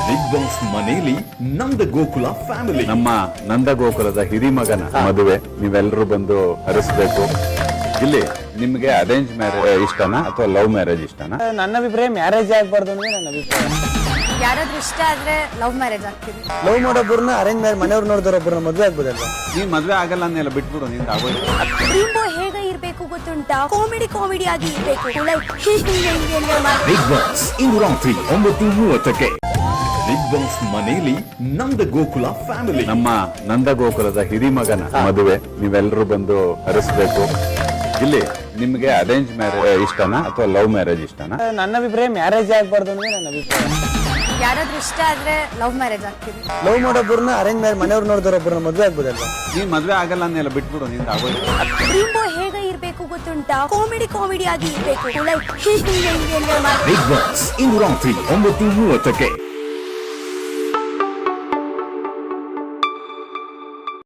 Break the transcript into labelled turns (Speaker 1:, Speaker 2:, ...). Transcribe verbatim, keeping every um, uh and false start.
Speaker 1: Big boss ಮನೆಯಲ್ಲಿ ನಂದ Gokula family.
Speaker 2: ನಮ್ಮ ನಂದ ಗೋಕುಲದ ಹಿರಿಮಗನ ಮದುವೆ ನೀವೆಲ್ಲರೂ ಬಂದು ಹರಿಸ್ಬೇಕು. ಇಲ್ಲಿ ನಿಮ್ಗೆ ಅರೇಂಜ್ ಮ್ಯಾರೇಜ್ ಇಷ್ಟನಾ ಅಥವಾ ಲವ್ ಮ್ಯಾರೇಜ್ ಇಷ್ಟನಾ?
Speaker 3: ನನ್ನ ಅಭಿಪ್ರಾಯ ಮ್ಯಾರೇಜ್ ಆಗ್ಬಾರ್ದು ಅಂದ್ರೆ ನನ್ನ ಅಭಿಪ್ರಾಯ.
Speaker 4: ಯಾರಾದ್ರೂ ಇಷ್ಟ ಆದ್ರೆ ಲವ್ ಮ್ಯಾರೇಜ್ ಆಗ್ತೀವಿ.
Speaker 3: ಲವ್ ಮಾಡೋಬ್ಬರನ್ನ ಅರೇಂಜ್ ಮ್ಯಾರೇಜ್ ಮನೆಯವ್ರು ನೋಡಿದವ್ರೊಬ್ಬರನ್ನ ಮದುವೆ ಆಗ್ಬೋದಲ್ವಾ?
Speaker 2: ನೀನ್ ಮದ್ವೆ ಆಗಲ್ಲ ಅನ್ನೆಲ್ಲ ಬಿಟ್ಬಿಡು, ನಿಂದ ಆಗೋದು.
Speaker 4: ಡ್ರೀಮ್ ಬಾಯ್ ಹೇಗೆ ಇರ್ಬೇಕು ಗೊತ್ತುಂಟಾ? ಕಾಮಿಡಿ ಕಾಮಿಡಿ ಆಗಿ ಇರ್ಬೇಕು.
Speaker 1: ಬಿಗ್ ಬಾಸ್ ಇಂದು ರಾತ್ರಿ ಒಂಬತ್ತು ಮೂವತ್ತಕ್ಕೆ. ಬಿಗ್ ಬಾಸ್ ಮನೆಯಲ್ಲಿ ನಂದ ಗೋಕುಲ ಫ್ಯಾಮಿಲಿ.
Speaker 2: ನಮ್ಮ ನಂದ ಗೋಕುಲದ ಹಿರಿಮಗನ ಮದುವೆ ನೀವೆಲ್ಲರೂ ಬಂದು ಹರಿಸ್ಬೇಕು. ಇಲ್ಲಿ ನಿಮ್ಗೆ ಅರೇಂಜ್ ಮ್ಯಾರೇಜ್ ಇಷ್ಟನಾ ಅಥವಾ ಲವ್ ಮ್ಯಾರೇಜ್ ಇಷ್ಟನಾ?
Speaker 3: ನನ್ನ ಅಭಿಪ್ರಾಯ ಮ್ಯಾರೇಜ್ ಆಗ್ಬಾರ್ದು ಅಂದ್ರೆ ನನ್ನ ಅಭಿಪ್ರಾಯ.
Speaker 4: ಯಾರಾದ್ರೂ ಇಷ್ಟ ಆದ್ರೆ ಲವ್ ಮ್ಯಾರೇಜ್ ಆಗ್ತೀವಿ.
Speaker 3: ಲವ್ ಮಾಡೋಬ್ಬರನ್ನ ಅರೇಂಜ್ ಮ್ಯಾರೇಜ್ ಮನೆಯವ್ರು ನೋಡಿದವ್ರೊಬ್ಬರನ್ನ ಮದುವೆ ಆಗ್ಬೋದಲ್ವಾ?
Speaker 2: ನೀನ್ ಮದ್ವೆ ಆಗಲ್ಲ ಅನ್ನೆಲ್ಲ ಬಿಟ್ಬಿಡು, ನಿಂದ ಆಗೋದು.
Speaker 4: ಡ್ರೀಮ್ ಬಾಯ್ ಹೇಗೆ ಇರ್ಬೇಕು ಗೊತ್ತುಂಟಾ? ಕಾಮಿಡಿ ಕಾಮಿಡಿ ಆಗಿ ಇರ್ಬೇಕು.
Speaker 1: ಬಿಗ್ ಬಾಸ್ ಇಂದು ರಾತ್ರಿ ಒಂಬತ್ತು ಮೂವತ್ತಕ್ಕೆ.